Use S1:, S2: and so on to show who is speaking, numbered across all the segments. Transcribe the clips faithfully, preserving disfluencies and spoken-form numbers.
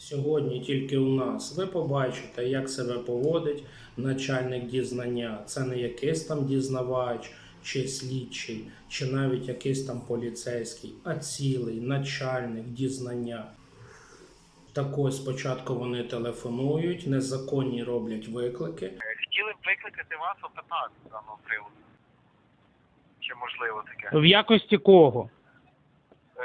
S1: Сьогодні тільки у нас ви побачите, як себе поводить начальник дізнання. Це не якийсь там дізнавач, чи слідчий, чи навіть якийсь там поліцейський, а цілий начальник дізнання. Так ось спочатку вони телефонують, незаконні роблять виклики.
S2: Хотіли б викликати вас опитати з даного приводу. Чи можливо таке?
S3: В якості кого?
S2: Е,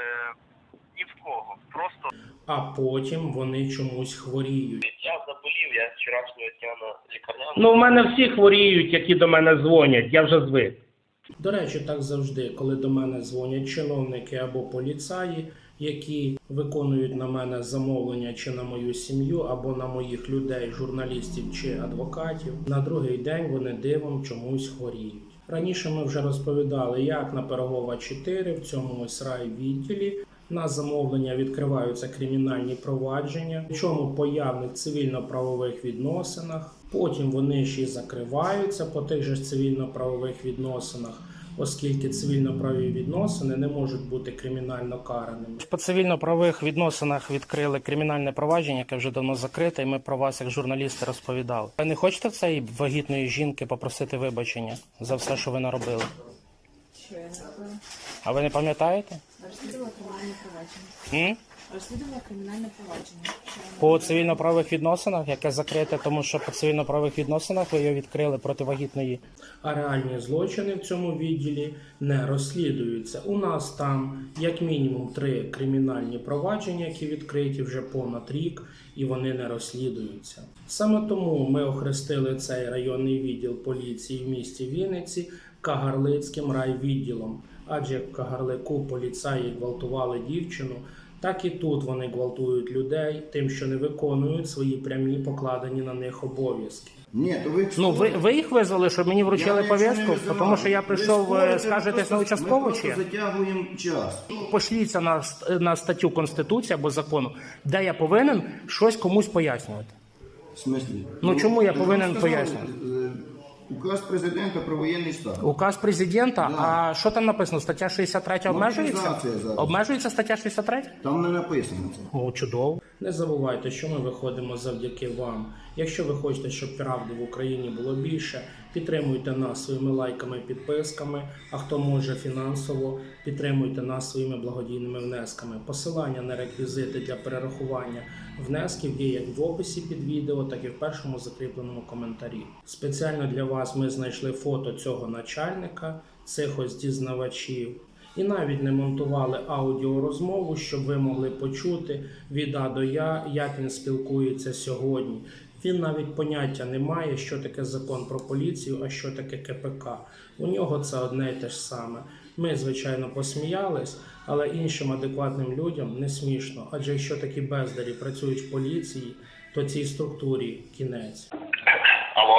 S2: ні в кого. Просто
S1: А потім вони чомусь хворіють.
S2: я заболів, я з вчорашнього дня на лікарняному.
S3: Ну, в мене всі хворіють, які до мене дзвонять, я вже звик.
S1: До речі, так завжди, коли до мене дзвонять чиновники або поліцаї, які виконують на мене замовлення чи на мою сім'ю, або на моїх людей, журналістів чи адвокатів, на другий день вони дивом чомусь хворіють. Раніше ми вже розповідали, як на Пирогова чотири в цьому ось райвідділі на замовлення відкриваються кримінальні провадження, причому по явних цивільно-правових відносинах. Потім вони ще й закриваються по тих же цивільно-правових відносинах, оскільки цивільно-правові відносини не можуть бути кримінально караними.
S3: По цивільно-правових відносинах відкрили кримінальне провадження, яке вже давно закрите, і ми про вас, як журналісти, розповідали. Ви не хочете в цієї вагітної жінки попросити вибачення за все, що ви наробили?
S4: Що я не робила?
S3: А ви не пам'ятаєте?
S4: Розслідувала кримінальне провадження.
S3: М?
S4: Розслідувала кримінальне провадження. Що я не
S3: По
S4: робила?
S3: цивільно-правових відносинах, яке закрите, тому що по цивільно-правових відносинах ви його відкрили проти вагітної.
S1: А реальні злочини в цьому відділі не розслідуються. У нас там як мінімум три кримінальні провадження, які відкриті вже понад рік, і вони не розслідуються. Саме тому ми охрестили цей районний відділ поліції в місті Вінниці Кагарлицьким райвідділом. Адже в Кагарлику поліцаї гвалтували дівчину, так і тут вони гвалтують людей тим, що не виконують свої прямі покладені на них обов'язки.
S5: Ні, то ви...
S3: Ну, ви, ви їх визвали, щоб мені вручили
S5: Я нічого не
S3: повістку?
S5: визивав.
S3: Тому що я
S5: Ви
S3: прийшов,
S5: спорите,
S3: скажетесь
S5: ми
S3: на
S5: просто-
S3: участкову
S5: Ми
S3: чи як?
S5: просто затягуємо час.
S3: Пошліться на, ст- на статтю Конституції або закону, де я повинен щось комусь пояснювати.
S5: В смислі?
S3: Ну, чому я
S5: ви
S3: повинен
S5: сказали,
S3: пояснювати?
S5: е, Указ президента про воєнний стан.
S3: Указ президента,
S5: Да.
S3: а що там написано? Стаття шістдесят три обмежується?
S5: Мобілізація зараз.
S3: Обмежується стаття шістдесят три?
S5: Там не написано це.
S3: О, чудово.
S1: Не забувайте, що ми виходимо завдяки вам. Якщо ви хочете, щоб правди в Україні було більше, підтримуйте нас своїми лайками, підписками, а хто може фінансово, підтримуйте нас своїми благодійними внесками. Посилання на реквізити для перерахування внесків є як в описі під відео, так і в першому закріпленому коментарі. Спеціально для вас ми знайшли фото цього начальника, цих ось дізнавачів. І навіть не монтували аудіорозмову, щоб ви могли почути від А до Я, як він спілкується сьогодні. Він навіть поняття не має, що таке закон про поліцію, а що таке Ке Пе Ка. У нього це одне й те ж саме. Ми, звичайно, посміялись, але іншим адекватним людям не смішно. Адже якщо такі бездарі працюють в поліції, то цій структурі кінець.
S2: Алло.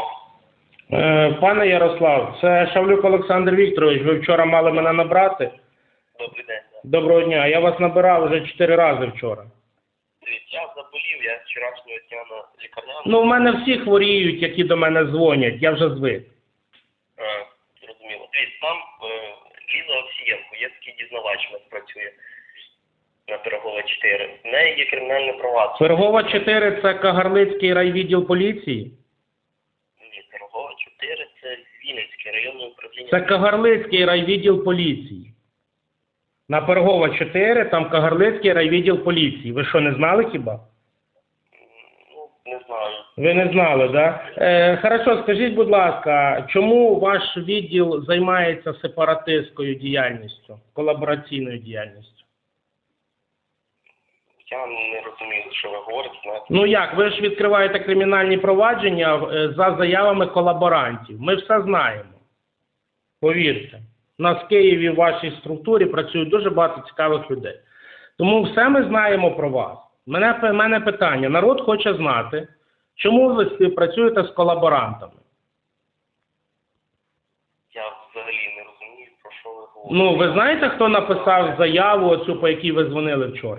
S3: Е, пане Ярослав, це Шавлюк Олександр Вікторович. Ви вчора мали мене набрати.
S2: Добрий день.
S3: Доброго дня. Я вас набирав вже чотири рази вчора.
S2: Дивіться, я заболів, я з вчорашнього дня на лікарняному.
S3: Ну, в мене всі хворіють, які до мене дзвонять. Я вже звик.
S2: Е, зрозуміло. Дивіться, там е, Ліза Овсієнко, є такий дізнавач, у нас працює на Пирогова чотири. В неї є кримінальне провадження.
S3: Пирогова чотири – це Кагарлицький райвідділ поліції?
S2: Ні, Пирогова чотири це Вінницьке районне управління.
S3: Це Кагарлицький райвідділ поліції. На Пирогова чотири, там Кагарлицький райвідділ поліції. Ви що, не знали хіба?
S2: Ну, не знаю.
S3: Ви не знали, да? Е, хорошо, скажіть, будь ласка, чому ваш відділ займається сепаратистською діяльністю, колабораційною діяльністю?
S2: Я не розумію, що ви говорите. Знаєте.
S3: Ну як, ви ж відкриваєте кримінальні провадження е, за заявами колаборантів. Ми все знаємо. Повірте. У нас в Києві в вашій структурі працюють дуже багато цікавих людей. Тому все ми знаємо про вас. Мене, мене питання. Народ хоче знати, чому ви співпрацюєте з колаборантами?
S2: Я взагалі не розумію, про що ви говорите.
S3: Ну, ви знаєте, хто написав заяву оцю, по якій ви дзвонили вчора?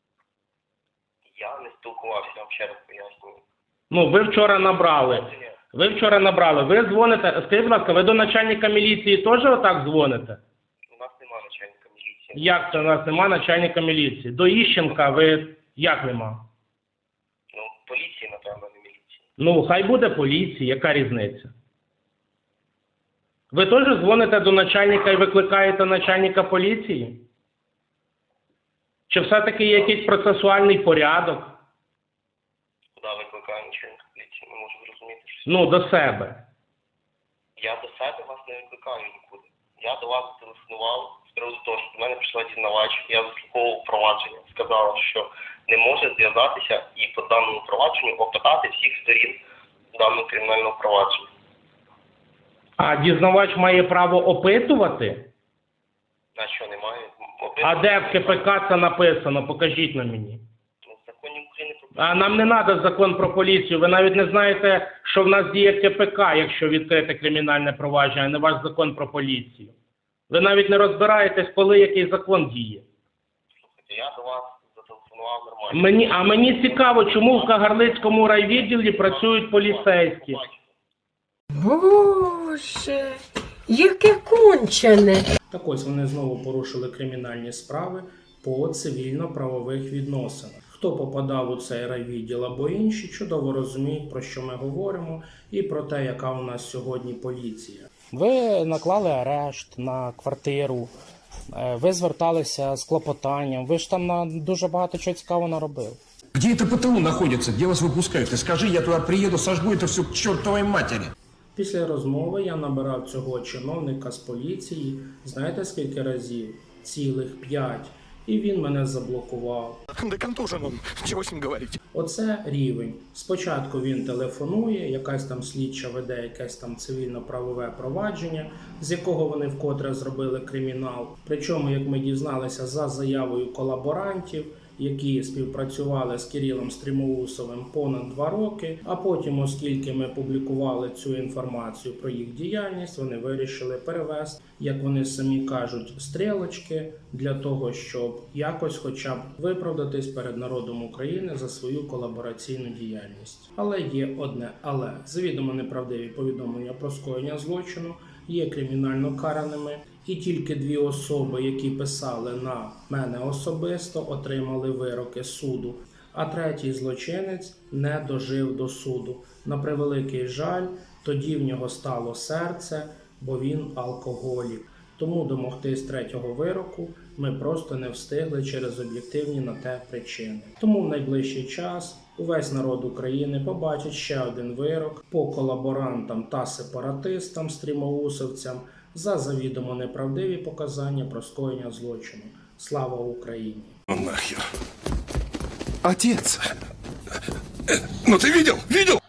S2: Я не спілкувався, я вам ще раз пояснюю.
S3: Ну, ви вчора набрали. Ви вчора набрали. Ви дзвоните. Скажіть, будь ласка, ви до начальника міліції теж отак дзвоните?
S2: У нас немає начальника міліції.
S3: Як це у нас нема начальника міліції? До Іщенка ви як нема?
S2: поліції, напевно, не міліції.
S3: Ну, хай буде поліція, яка різниця? Ви теж дзвоните до начальника і викликаєте начальника поліції? Чи все-таки є якийсь процесуальний порядок?
S2: Куди викликаю начальника поліції? Не можу зрозуміти. Що...
S3: Ну, до себе.
S2: Я до себе вас не викликаю нікуди. Я до вас телефонував з приводу того, що до мене прийшла дізнавач, я заслуховував провадження, сказала, що не може зв'язатися і по даному провадженню опитати всіх сторін даного кримінального провадження.
S3: А дізнавач має право опитувати?
S2: На що немає?
S3: А де в КПК це написано? Покажіть на мені.
S2: В законі України про
S3: А нам не треба закон про поліцію. Ви навіть не знаєте, що в нас діє КПК, якщо відкрите кримінальне провадження, а не ваш закон про поліцію. Ви навіть не розбираєтесь, коли який закон діє.
S2: слухайте, я до вас зателефонував нормально.
S3: Мені, а мені цікаво, чому в Кагарлицькому райвідділі працюють поліцейські.
S6: Боже, яке кончене.
S1: Так ось вони знову порушили кримінальні справи по цивільно-правових відносинах. Хто попадав у цей райвідділ або інші, чудово розуміють, про що ми говоримо і про те, яка у нас сьогодні поліція.
S7: Ви наклали арешт на квартиру, е, ви зверталися з клопотанням, ви ж там на дуже багато чого цікавого наробили.
S8: Где это ПТУ находится? Где вас выпускают? Ты скажи, я туда приеду, сожгу это все к чертовой матери.
S1: Після розмови я набирав цього чиновника з поліції, знаєте скільки разів? Цілих п'ять. І він мене заблокував.
S8: Да контужен он, чего с ним говорить?
S1: Оце рівень. Спочатку він телефонує, якась там слідча веде якесь там цивільно-правове провадження, з якого вони вкотре зробили кримінал. Причому, як ми дізналися, за заявою колаборантів, які співпрацювали з Кирилом Стрімоусовим понад два роки, а потім, оскільки ми публікували цю інформацію про їх діяльність, вони вирішили перевести, як вони самі кажуть, стрілочки для того, щоб якось хоча б виправдатись перед народом України за свою колабораційну діяльність. Але є одне але. Завідомо неправдиві повідомлення про скоєння злочину є кримінально караними. І тільки дві особи, які писали на мене особисто, отримали вироки суду. А третій злочинець не дожив до суду. На превеликий жаль, тоді в нього стало серце, бо він алкоголік. Тому домогтись третього вироку ми просто не встигли через об'єктивні на те причини. Тому в найближчий час увесь народ України побачить ще один вирок по колаборантам та сепаратистам, стрімоусовцям, за завідомо неправдиві показання про скоєння злочину. Слава Україні!
S8: Нахер. Отец. Ну ты видел? Видел?